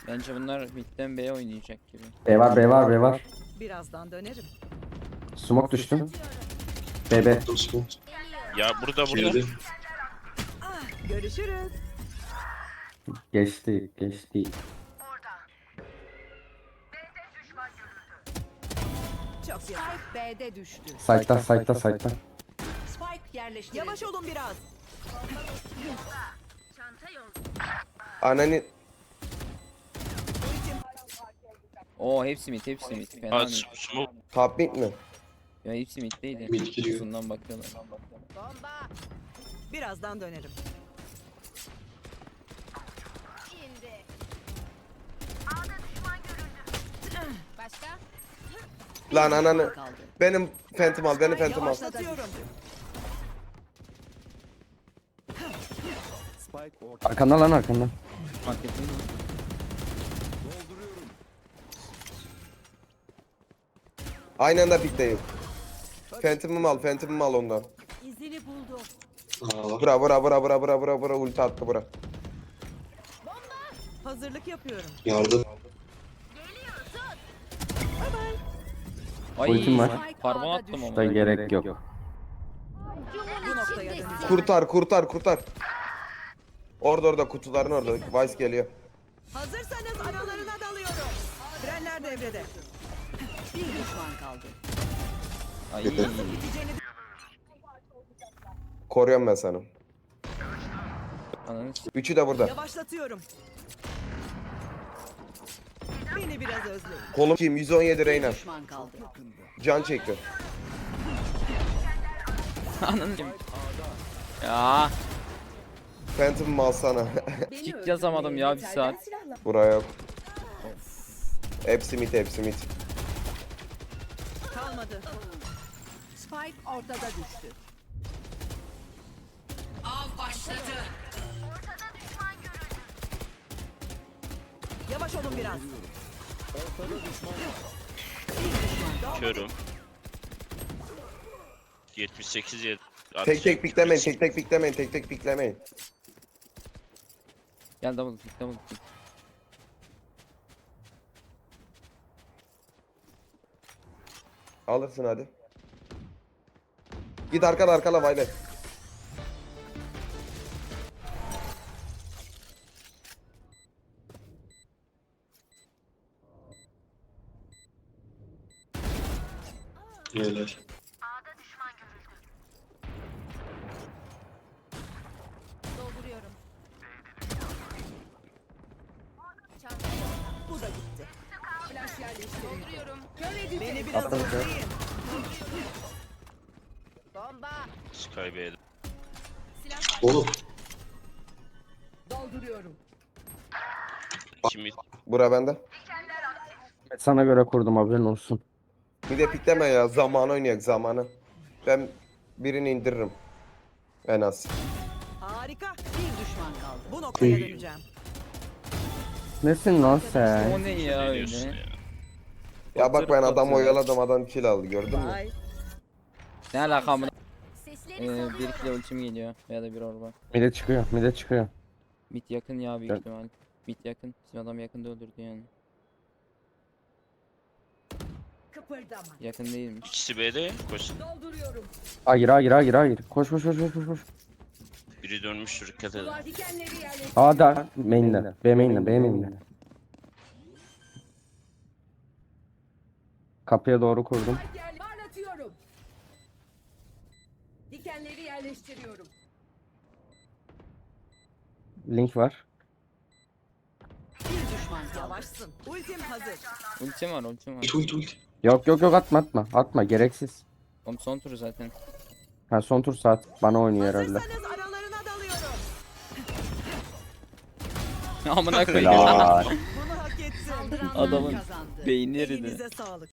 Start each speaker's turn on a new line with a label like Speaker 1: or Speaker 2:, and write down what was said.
Speaker 1: Bence bunlar midden B'ye oynayacak gibi.
Speaker 2: B var, B var, B var.
Speaker 3: Birazdan dönerim.
Speaker 2: Smoke düştüm. BB.
Speaker 4: Ya burada.
Speaker 5: Girdi.
Speaker 3: Görüşürüz.
Speaker 2: Geçti, geçti.
Speaker 3: Çok yakın.
Speaker 6: Spike B'de düştü.
Speaker 2: Site'da, site'da, site'da.
Speaker 6: Spike yerleştirildi.
Speaker 3: Yavaş olun biraz.
Speaker 5: Ananı
Speaker 1: Oo hepsi mid, hepsi mid. Fena
Speaker 4: Aa,
Speaker 1: mid.
Speaker 4: smoke.
Speaker 5: top mid mi?
Speaker 1: Ya hepsi middeydi.
Speaker 5: Mid giriyor.
Speaker 1: Uzundan bakıyorlar.
Speaker 3: Bomba. Birazdan dönerim.
Speaker 6: Başka?
Speaker 5: Lan ananı.
Speaker 6: Kaldı.
Speaker 5: Benim Phantom al, beni Phantom al.
Speaker 3: Yavaşlatıyorum.
Speaker 2: Arkanda lan arkanda.
Speaker 1: Fark ettin mi?
Speaker 5: Aynı anda pikteyim. Phantom'ımı al, Phantom'ımı al ondan.
Speaker 6: İzini buldu.
Speaker 5: Bura bura bura bura bura bura bura ulti attı bura.
Speaker 3: Hazırlık yapıyorum.
Speaker 1: Ay,
Speaker 2: Ultim var.
Speaker 1: Parmağı attım ama.
Speaker 2: Da gerek yok.
Speaker 3: Bu noktaya döneceğim.
Speaker 5: Kurtar kurtar kurtar. Orada kutuların orada. Vice geliyor.
Speaker 3: Hazırsanız aralarına dalıyorum. Frenler devrede.
Speaker 6: Bir düşman kaldı.
Speaker 1: Ay.
Speaker 5: Koruyorum ben sana.
Speaker 1: Ananı s-
Speaker 5: Üçü de burada.
Speaker 3: Yavaşlatıyorum. Beni biraz özleyin.
Speaker 5: Kolum kim? 117 Reyna.
Speaker 6: Düşman kaldı.
Speaker 5: Can çekti.
Speaker 1: Ananı s- Ya
Speaker 5: Phantom'ımı alsana.
Speaker 1: kick yazamadım ya bir saat.
Speaker 5: Buraya yok. Hepsi mid, hepsi mid.
Speaker 3: Kalmadı.
Speaker 6: Spike ortada düştü. Av başladı.
Speaker 3: Yavaş olun biraz.
Speaker 4: Körüm. 78 yer.
Speaker 5: Tek tek piklemeyin, tek tek piklemeyin, tek tek piklemeyin.
Speaker 1: Gel double kick, double kick.
Speaker 5: Alırsın hadi. Git arkala arkala Vayne.
Speaker 7: Helal.
Speaker 6: Dolduruyorum.
Speaker 3: Bu da gitti.
Speaker 6: Flash yerleştirildi. Dolduruyorum.
Speaker 3: Beni biraz
Speaker 2: Atladı.
Speaker 3: özleyin.
Speaker 6: Bomba.
Speaker 4: Sky B'de.
Speaker 7: Oğlum.
Speaker 6: Dolduruyorum.
Speaker 4: Kimi
Speaker 5: Bura bende.
Speaker 2: Sana göre kurdum, haberin olsun.
Speaker 5: Bir de pikleme ya, zamanı oynayak zamanı. Ben birini indiririm. En az.
Speaker 3: Harika.
Speaker 6: Bir düşman kaldı.
Speaker 3: Bu noktaya döneceğim.
Speaker 2: Nesin lan sen?
Speaker 1: O ne ya
Speaker 4: diyorsun
Speaker 1: öyle?
Speaker 4: ya?
Speaker 5: Ya bak ben adam
Speaker 1: Batır.
Speaker 5: oyaladım, adam kill aldı, gördün mü?
Speaker 3: Vay.
Speaker 1: Ne alaka amına?
Speaker 6: Sesleri
Speaker 1: Bir kilo ultim geliyor ya da bir orba.
Speaker 2: Mide çıkıyor, mide çıkıyor.
Speaker 1: Mid yakın ya büyük
Speaker 2: Evet.
Speaker 1: ihtimal. Mid yakın. Bizim adam yakında öldürdü yani.
Speaker 6: kıpırdama.
Speaker 1: Yakın değilmiş.
Speaker 4: İkisi B'de. Koş.
Speaker 6: Dolduruyorum.
Speaker 2: Hayır, hayır, hayır, hayır. Koş, koş, koş, koş, koş, koş.
Speaker 4: Biri dönmüştür, dikkat edin.
Speaker 6: Duvar dikenleri yerleştirildi.
Speaker 2: A da main'de. B main'de, B main'de. Kapıya doğru kurdum.
Speaker 6: Parlatıyorum. Dikenleri yerleştiriyorum.
Speaker 2: Link var.
Speaker 6: Bir düşman kaldı.
Speaker 3: Yavaşsın. Ultim hazır.
Speaker 1: Ultim var, ultim var.
Speaker 7: Ult.
Speaker 2: Yok, yok, yok, atma, atma. Atma, gereksiz.
Speaker 1: Oğlum son turu zaten.
Speaker 2: Ha, son tur saat. Bana oynuyor herhalde.
Speaker 3: Hazırsanız aralarına dalıyorum.
Speaker 1: Amına koyayım.
Speaker 2: Helal.
Speaker 3: Bunu hak etsin.
Speaker 6: Saldıranlar
Speaker 1: Adamın
Speaker 6: kazandı.
Speaker 1: beyni eridi.
Speaker 3: Elinize sağlık.